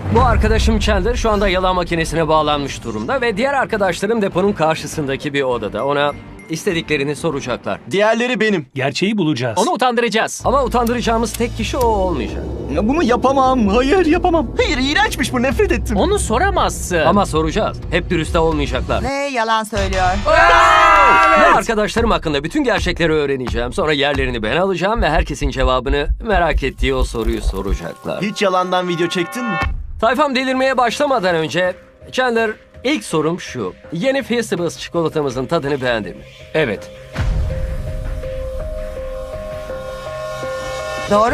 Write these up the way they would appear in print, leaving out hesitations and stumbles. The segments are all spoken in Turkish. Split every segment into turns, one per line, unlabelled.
Bu arkadaşım Chandler şu anda yalan makinesine bağlanmış durumda ve diğer arkadaşlarım deponun karşısındaki bir odada. Ona istediklerini soracaklar.
Diğerleri benim.
Gerçeği bulacağız.
Onu utandıracağız.
Ama utandıracağımız tek kişi o olmayacak.
Ya bunu yapamam. Hayır yapamam. Hayır iğrençmiş bu, nefret ettim.
Onu soramazsın.
Ama soracağız. Hep dürüst de olmayacaklar.
Ve yalan söylüyor.
Ve arkadaşlarım hakkında bütün gerçekleri öğreneceğim. Sonra yerlerini ben alacağım ve herkesin cevabını merak ettiği o soruyu soracaklar.
Hiç yalandan video çektin mi?
Tayfam delirmeye başlamadan önce Chandler, ilk sorum şu. Yeni Feastables çikolatamızın tadını beğendin mi?
Evet.
Doğru.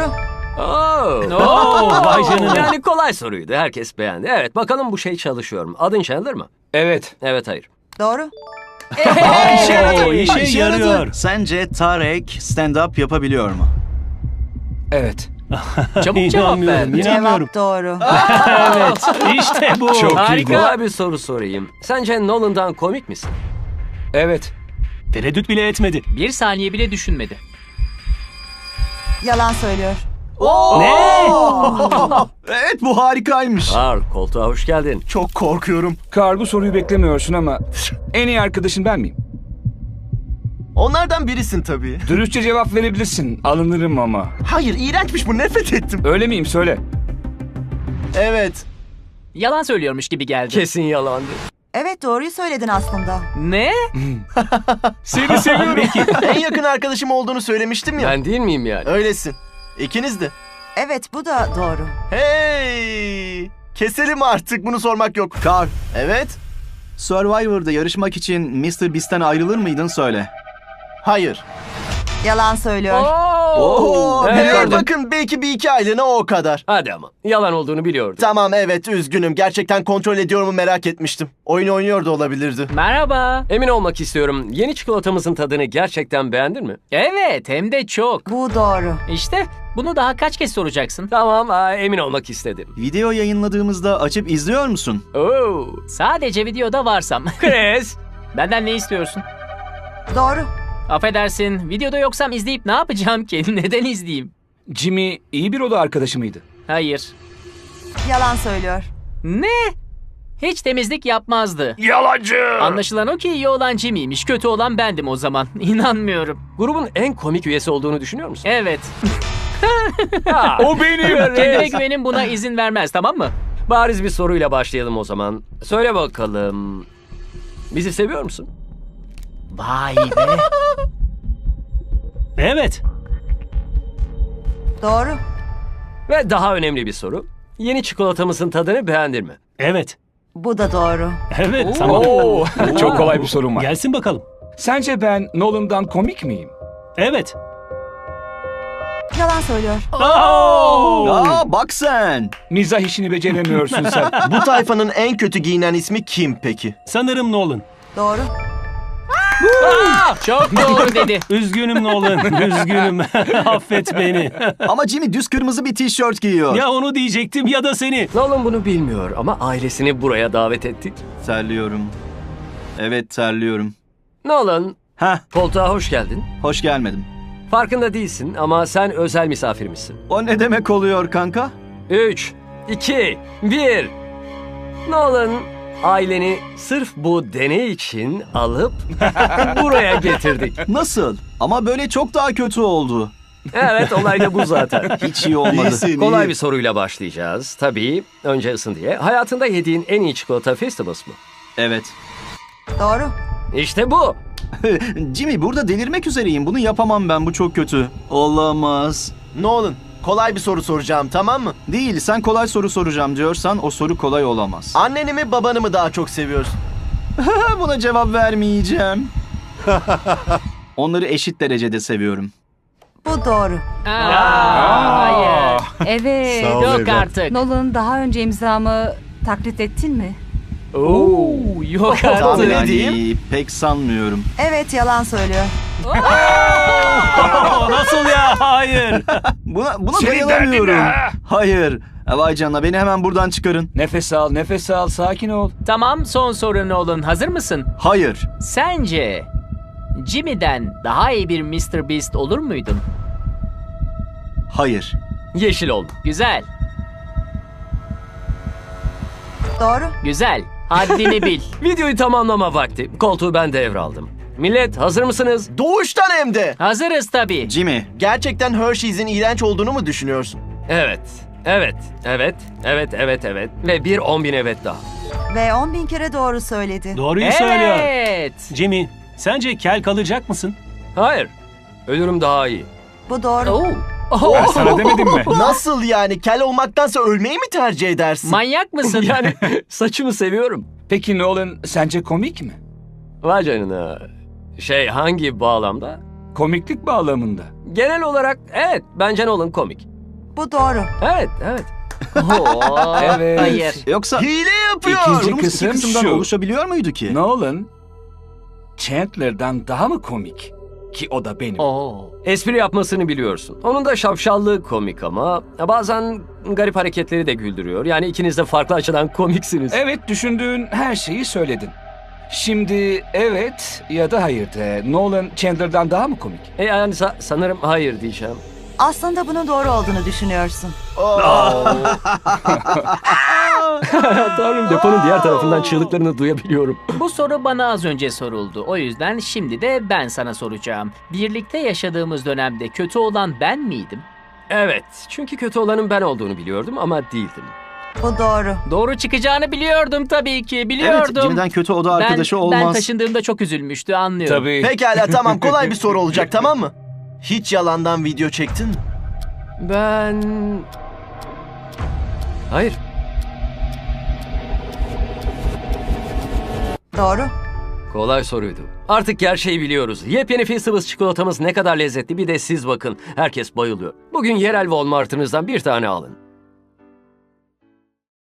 Oo.
Vay canına.
Yani kolay soruydu. Herkes beğendi. Evet, bakalım bu şey çalışıyor mu? Adın Chandler mı?
Evet.
Evet, hayır.
Doğru.
İşe yaradı. İşe yarıyor.
Sence Tarek stand-up yapabiliyor mu?
Evet.
Çabuk cevap ver.
İnanmıyorum.
Cevap doğru.
Evet. İşte bu. Çok
Harika.
Kolay bir soru sorayım. Sence Nolan'dan komik misin?
Evet. Tereddüt bile etmedi.
Bir saniye bile düşünmedi.
Yalan söylüyor.
Ne?
Evet bu harikaymış.
Carl, koltuğa hoş geldin.
Çok korkuyorum.
Karl, bu soruyu beklemiyorsun ama en iyi arkadaşın ben miyim?
Onlardan birisin tabii.
Dürüstçe cevap verebilirsin. Alınırım ama.
Hayır iğrençmiş bu, nefret ettim.
Öyle miyim? Söyle.
Evet.
Yalan söylüyormuş gibi geldi.
Kesin yalandı.
Evet, doğruyu söyledin aslında.
Ne?
Seni seviyorum. En yakın arkadaşım olduğunu söylemiştim ya.
Ben değil miyim yani?
Öylesin. İkiniz de.
Evet, bu da doğru.
Hey! Keselim artık, bunu sormak yok. Carl. Evet.
Survivor'da yarışmak için Mr. Beast'ten ayrılır mıydın söyle.
Hayır.
Yalan söylüyor.
Oo,
Evet,
hey,
gördüm.
bakın belki bir iki aylığına o kadar.
Hadi ama. Yalan olduğunu biliyordum.
Tamam evet üzgünüm. Gerçekten kontrol ediyor mu merak etmiştim. Oyun oynuyor da olabilirdi.
Merhaba.
Emin olmak istiyorum. Yeni çikolatamızın tadını gerçekten beğendin mi?
Evet, hem de çok.
Bu doğru.
İşte bunu daha kaç kez soracaksın?
Tamam, emin olmak istedim.
Video yayınladığımızda açıp izliyor musun?
Oo.
Sadece videoda varsam.
Chris.
Benden ne istiyorsun?
Doğru.
Affedersin, videoda yoksam izleyip ne yapacağım ki? Neden izleyeyim?
Jimmy iyi bir oda arkadaşı mıydı?
Hayır.
Yalan söylüyor.
Ne? Hiç temizlik yapmazdı.
Yalancı.
Anlaşılan o ki iyi olan Jimmy'ymiş, kötü olan bendim o zaman. İnanmıyorum.
Grubun en komik üyesi olduğunu düşünüyor musun?
Evet.
O benim.
Kendime güvenim buna izin vermez, tamam mı?
Bariz bir soruyla başlayalım o zaman. Söyle bakalım. Bizi seviyor musun?
Vay be.
Evet.
Doğru.
Ve daha önemli bir soru. Yeni çikolatamızın tadını beğendin mi?
Evet.
Bu da doğru.
Evet. Tamam.
Çok kolay bir sorum var.
Gelsin bakalım.
Sence ben Nolan'dan komik miyim?
Evet.
Yalan söylüyor.
Aa bak sen.
Mizah işini beceremiyorsun sen.
Bu tayfanın en kötü giyinen ismi kim peki?
Sanırım Nolan.
Doğru.
Çok doğru dedi.
Üzgünüm Nolan. Üzgünüm. Affet beni.
Ama Jimmy düz kırmızı bir tişört giyiyor.
Ya onu diyecektim ya da seni.
Nolan bunu bilmiyor ama ailesini buraya davet ettik.
Terliyorum. Evet terliyorum.
Nolan,
Heh,
koltuğa hoş geldin.
hoş gelmedim.
Farkında değilsin ama sen özel misafirimizsin.
O ne demek oluyor kanka?
3, 2, 1. Nolan, aileni sırf bu deney için alıp buraya getirdik.
Nasıl? Ama böyle çok daha kötü oldu.
Evet, olay da bu zaten.
Hiç iyi olmadı.
Kolay bir soruyla başlayacağız. Tabii, önce ısın diye. Hayatında yediğin en iyi çikolata Feastables mı?
Evet.
Doğru.
İşte bu.
Jimmy burada delirmek üzereyim. Bunu yapamam ben. Bu çok kötü. Olamaz.
Nolan, kolay bir soru soracağım tamam mı?
Değil. Sen kolay soru soracağım diyorsan o soru kolay olamaz.
Anneni mi babanı mı daha çok seviyorsun?
Buna cevap vermeyeceğim. Onları eşit derecede seviyorum.
Bu doğru.
Hayır.
Evet.
Yok artık.
Nolan, daha önce imzamı taklit ettin mi?
Oo, yok
Tahmin
artık.
edeyim.
Pek sanmıyorum.
Evet, yalan söylüyor.
Nasıl ya? Hayır.
Buna dayanamıyorum. Hayır. Vay canına beni hemen buradan çıkarın.
Nefes al, nefes al. Sakin ol.
Tamam, son soru Nolan. Hazır mısın?
Hayır.
Sence Jimmy'den daha iyi bir Mr. Beast olur muydun?
Hayır.
Yeşil oldu.
Güzel.
Doğru.
Güzel. Haddini bil.
Videoyu tamamlama vakti. Koltuğu ben devraldım. Millet hazır mısınız?
Doğuştan hem de.
Hazırız tabii.
Jimmy,
Gerçekten Hershey's'in iğrenç olduğunu mu düşünüyorsun?
Evet. Evet. Evet. Evet. Evet. Evet. Ve bir 10.000 evet daha.
Ve 10.000 kere doğru söyledi.
Doğruyu söylüyor.
Evet.
Jimmy, sence kel kalacak mısın?
Hayır. Ölürüm daha iyi.
Bu doğru.
Oo.
Ben sana demedim mi?
Nasıl yani? Kel olmaktansa ölmeyi mi tercih edersin?
Manyak mısın?
Yani saçımı seviyorum.
Peki Nolan sence komik mi?
Vay canına. Hangi bağlamda?
Komiklik bağlamında.
Genel olarak evet. Bence Nolan komik.
Bu doğru.
Evet. Evet.
Oo,
Evet.
Hayır.
yoksa
Hile yapıyor.
İkinci
durumumuz iki
kısım
kısımdan
şu.
oluşabiliyor muydu ki?
Nolan Chandler'dan daha mı komik? Ki o da benim.
Oo.
Espri yapmasını biliyorsun. Onun da şapşallığı komik ama bazen garip hareketleri de güldürüyor. Yani ikiniz de farklı açıdan komiksiniz.
Evet, düşündüğün her şeyi söyledin. Şimdi evet ya da hayır de. Nolan Chandler'dan daha mı komik?
Yani sanırım hayır diyeceğim.
Aslında bunun doğru olduğunu düşünüyorsun.
Tanrım, deponun diğer tarafından çığlıklarını duyabiliyorum.
Bu soru bana az önce soruldu. O yüzden şimdi de ben sana soracağım. Birlikte yaşadığımız dönemde kötü olan ben miydim?
Evet, çünkü kötü olanın ben olduğunu biliyordum ama değildim.
Bu doğru.
Doğru çıkacağını biliyordum tabii ki.
Evet,
Biliyordum.
Jimmy'den kötü oda arkadaşı
ben
olmaz.
taşındığımda çok üzülmüştü, anlıyorum.
Tabii.
Pekala tamam, kolay bir soru olacak, tamam mı? Hiç yalandan video çektin mi?
Ben... Hayır.
Doğru.
Kolay soruydu. Artık gerçeği biliyoruz. Yepyeni Feastables çikolatamız ne kadar lezzetli, bir de siz bakın. Herkes bayılıyor. Bugün yerel Walmart'ınızdan bir tane alın.